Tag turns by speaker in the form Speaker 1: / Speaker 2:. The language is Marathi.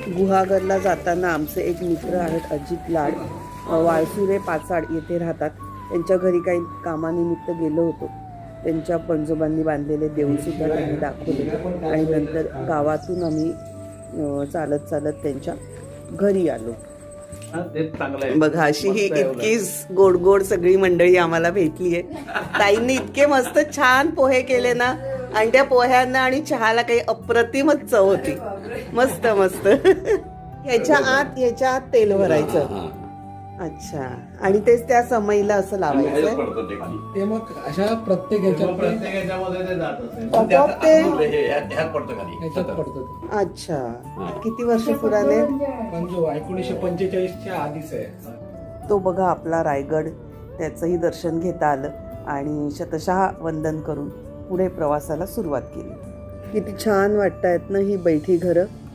Speaker 1: गुहागरला जाताना आमचे एक मित्र आहेत अजित लाड, वाळसुरे पाचाड येथे राहतात. त्यांच्या घरी काही कामानिमित्त गेलो होतो. त्यांच्या पणजोबांनी बांधलेले देऊळसुद्धा त्यांनी दाखवले आणि नंतर गावातून आम्ही चालत चालत त्यांच्या घरी आलो. बघा अशी ही इतकी गोड गोड सगळी मंडळी आम्हाला भेटली आहे. ताईंनी इतके मस्त छान पोहे केले ना, आणि त्या पोह्यांना आणि चहाला काही अप्रतिमच चव होती. मस्त मस्त. ह्याच्या आत तेल भरायचं. अच्छा, आणि तेच त्या समईला असं लावायचं.
Speaker 2: ते मग अशा प्रत्येक
Speaker 1: अच्छा, किती वर्ष पुराणे?
Speaker 2: 1945च्या आधीच आहे
Speaker 1: तो. बघा आपला रायगड, त्याचंही दर्शन घेता आलं आणि शतशः वंदन करून पुढे प्रवासाला सुरुवात केली. किती छान वाटतायत ना ही बैठी घरं.